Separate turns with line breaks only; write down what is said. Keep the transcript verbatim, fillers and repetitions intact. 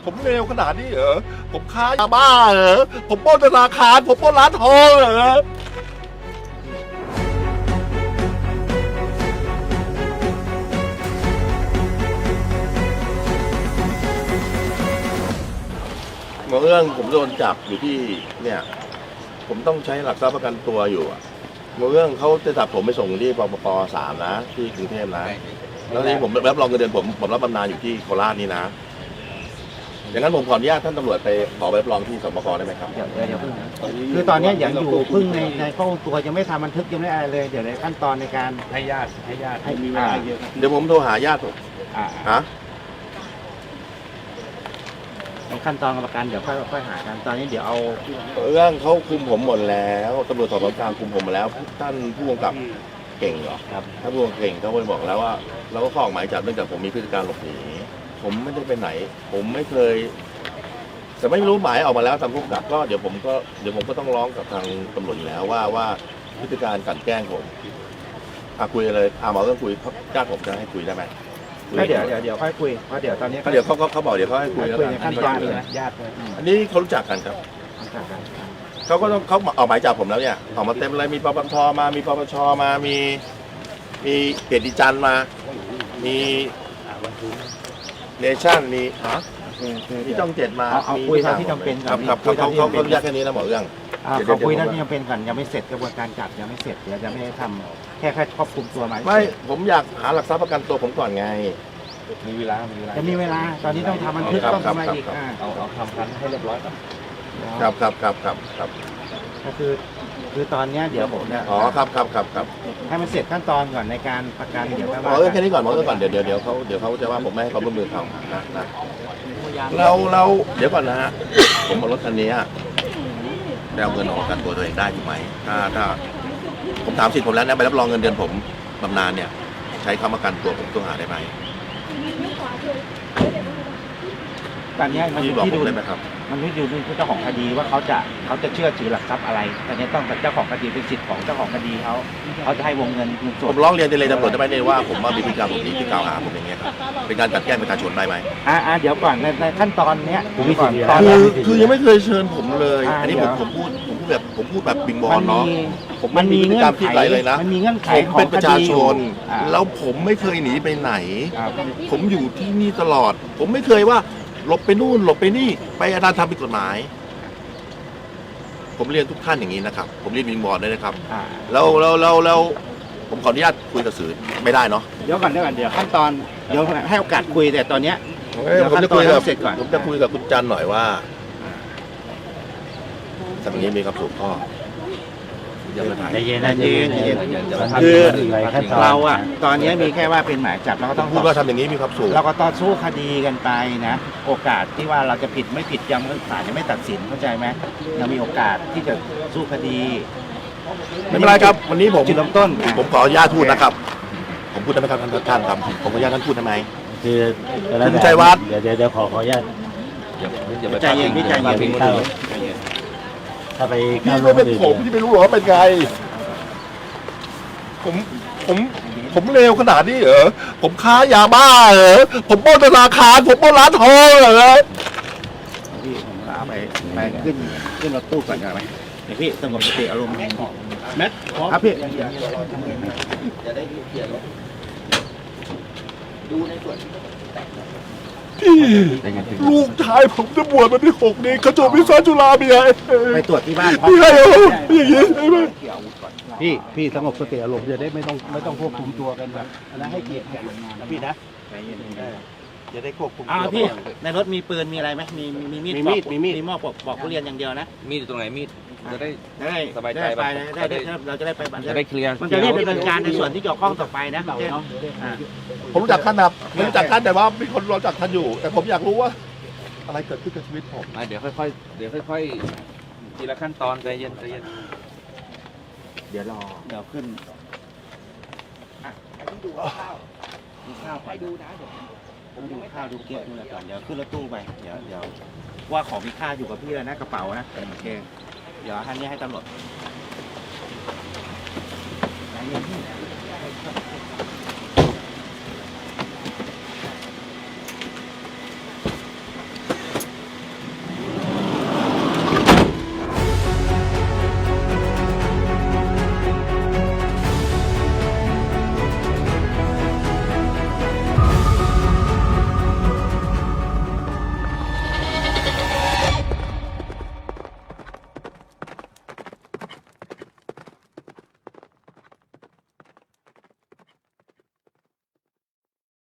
ผมเลวขนาดนี้เหรอผมค้ายาบ้าเหรอผมปล้นธนาคารผมปล้นร้านทองเหรอเรื่องผมโดนจับอยู่ที่เนี่ยผมต้องใช้หลักทรัพย์ประกันตัวอยู่อะเรื่องเขาจะจับผมไปส่งที่ปปปสามนะที่กรุงเทพนะแล้วนี่ผมรับรองเงินเดือนผมผมรับบำนาญอยู่ที่โคราชนี่นะอย่างนั้นผมขออนุญาตท่านตำรวจไปขอใบรับรองที่สปกได้ไหมครับ
เดี๋ยวเดี๋ยวเพิ่งคือตอนนี้ยังอยู่เพิ่งในในข้อมูลตัวยังไม่ทำบันทึกยังไม่อะไรเลยเดี๋ยวในขั้นตอนในการ
ให้ญาติให้ญาติ
ให้มีเวลาเยอะ
เดี๋ยวผมโทรหาญาติผมฮะ
ในขั้นตอนกรรมการเดี๋ยวค่อยค่อยหากันตอนนี้เดี๋ยวเอา
เรื่องเขาคุมผมหมดแล้วตำรวจสอบสวนกลางคุมผมหมดแล้วท่านผู้กำกับเก่งเหรอครับถ้าผู้กำกับเก่งเขาไปบอกแล้วว่าเราก็ข้อออกหมายจับเนื่องจากผมมีพฤติการหลบหนีผมไม่ได้ไปไหนผมไม่เคยแต่ไม่รู้หมายออกมาแล้วตามผู้กำกับก็เดี๋ยวผมก็เดี๋ยวผมก็ต้องร้องกับทางตำรวจอยู่แล้วว่าว่าพฤติการกลั่นแกล้งผมอ่ะคุยเลยอ่ะหมอต้องคุยญาติผมจะให้คุยได้ไหม
เดี๋ยวเดี๋ยวเดี๋ยวค่อยคุยเพราะเดี๋ยวตอนนี้
เดี๋ยวเขาเขาบอกเดี๋ยวเขาให้คุยแล้วกัน
ขั้นตอนเลยญาติ
อันนี้เขารู้จักกันครับเขาก็ต้องเขาออกหมายจับผมแล้วเนี่ยออกมาเต็มเลยมีปปชมามีปปชมามีมีเกียรติจันทร์มามีเนชั่นมีมีต้องเจ็ดมา
เอาคุยเท่าที่จำเป็น
ครับครับเขาเขาเขาแยกแค่นี้นะหมอเรื่อง
เขาคุยเท่าที่จำเป็นก่อนยังไม่เสร็จกระบวนการจับยังไม่เสร็จเดี๋ยวจะไม่ได้ทำแค่แค่ควบคุมตัวมา
ไม่ผมอยากหาหลักทรัพย์ประกันตัวผมก่อนไง
มีเวลามีเวลา
จะมีเวลาตอนนี้ต้องทำบันทึกต้องทำอะไรอีก
เอาเอาทำกันให้เรียบร้อยก่อน
ครับครับครับครับครับ
ก็คือคือตอนนี้เดี๋ยวผมเนี่ย
อ๋อครับครับครับครับ
ให้มันเสร็จขั้นตอนก่อนในการประกันเดี๋ยว
หมอเออแค่นี้ก่อนหมอเออก่อนเดี๋ยวเดี๋ยวเดี๋ยวเขาเดี๋ยวเขาจะว่าผมไม่ให้ความร่วมมือเขานะนะเราเราเดี๋ยวก่อนนะฮะผมเอารถคันนี้ได้เอาเงินออกประกันตัวตัวเองได้ถูกไหมถ้าถ้าผมถามสิทธิ์ผมแล้วนะใบรับรองเงินเดือนผมบำนาญเนี่ยใช้คำประกันตัวผมต้องหาได้ไหม
ตอนนี้มันอยู่ที่ดูเลยนะครับมันไม่อยู่ที่เจ้าของคดีว่าเขาจะเขาจะเชื่อถือหลักทรัพย์อะไรตอนนี้ต้องเจ้าของคดีเป็นสิทธิ์ของเจ้าของคดีเขาเขาจะให้วงเงินเงินสด
ผมร้องเรียนเลยตำรวจได้ไหมเนี่ยว่าผมว่ามีพฤติกรรมแบบนี้ที่กล่าวหาผมอย่างเงี้ยครับเป็นการจัดแกล้งประชาชนได้ไหม
อ่าเดี๋ยวก่อนในในขั้นตอนเนี้ยก่อน
คือคือยังไม่เคยเชิญผมเลยอันนี้ผมผมพูดผมพูดแบบผมพูดแบบบิงบอลเนาะผม
มันมี
พฤติกรรมที่ไหลเลยนะ
มันมีเงื่อนไข
ผมเป็นประชาชนแล้วผมไม่เคยหนีไปไหนผมอยู่ที่นี่ตลอดผมไม่เคยว่าหลบไปนู่นหลบไปนี่ไปอาจารย์ทำผิดกฎหมายผมเรียนทุกท่านอย่างนี้นะครับผมเรียนวิงบอร์ดด้วยนะครับแล้วแล้วแล้วแล้วผมขออนุญาตคุยกับสื่อไม่ได้เนาะ
เดี๋ยวก่อนเดี๋ยวก่อนเดี๋ยวขั้นตอนเดี๋ยวให้โอกาสคุยแต่ตอนเนี้ย
ผมจะคุยกับผมจะคุยกับคุณจันหน่อยว่าสักนี้มีครับถูกข้อ
ใจเย็นใจเย็นใจเย็นคือเราอะตอนนี้มีแค่ว่าเป็นหมายจับเราก็ต้อง
พูดว่าทำอย่างนี้มีความสุข
เราก็ต้องสู้คดีกันไปนะโอกาสที่ว่าเราจะผิดไม่ผิดยังศาลยังไม่ตัดสินเข้าใจไหมยังมีโอกาสที่จะสู้คดี
ไม่เป็นไรครับวันนี้ผม
จุดเริ่มต้น
ผมขออนุญาตพูดนะครับผมพูดได้ไหมครับท่านท่านครับผมขออนุญาตท่านพูดได้ไหม
คือ
คุณชัยวัฒน์
เดี๋ยวเดี๋ยวขอขออนุญาต
ใจเย็นพี่ใจเย็น
ถ้าไป
พี่ไม่เป็นผมที่ไม่รู้หรอเป็นไงผมผมผมเลวขนาดนี้เหรอผมค้ายาบ้าเหรอผมปล้นธนาคารผมปล้นร้านทองเหรอ
พี่ผมพาไปไปขึ้นขึ้นรถตู้ก่อนได้ไหมเดี๋ยวพี่สงบสติอารมณ์แมทครับพี่ดูในส่วน
ลูกชายผมจะบวชวันที่หกนี้เขาจบวิศวะจุฬาพี่ไง
ไปตรวจที่บ้าน
พี่ไงอย่างนี้ใช่ไหม
พี่พี่สงบสติอารมณ์จะได้ไม่ต้องไม่ต้องควบคุมตัวกันแบบนะให้เกียรติกันนะพี่นะ
จะได้ควบคุม
อ้าวพี่ในรถมีปืนมีอะไรไหมมีมีมีดมีมีดมีมีดมีหม้อปอกปอกทุเรียนอย่างเดียวนะ
มีดอยู่ตรงไหนมีดจะได้
ได้
สบายใจ
ไปได้ได้เราจะได้ไป
จะได้เคลียร์
มันจะได้ดำเนินการในส่วนที่เกี่ยวข้องต่อไปนะ
ผมรู้จักท่านนะผมรู้จักท่านแต่ว่ามีคนรู้จักท่านอยู่แต่ผมอยากรู้ว่าอะไรเกิดขึ้นกับชีวิตผม
เดี๋ยวค่อยๆเดี๋ยวค่อยๆทีละขั้นตอนใจเย็นใจเย็น
เดี๋ยวรอเดี๋ยวขึ้นอ่ะไปดูข้าวดูข้าวไปดูนะเดี๋ยวผมดูข้าวดูเกี๊ยวดูอะไรก่อนเดี๋ยวขึ้นรถตู้ไปเดี๋ยวเดี๋ยวว่าของมีค่าอยู่กับพี่แล้วนะกระเป๋านะโอเคเดี๋ยวท่านนี้ให้ตำรวจใจเย็น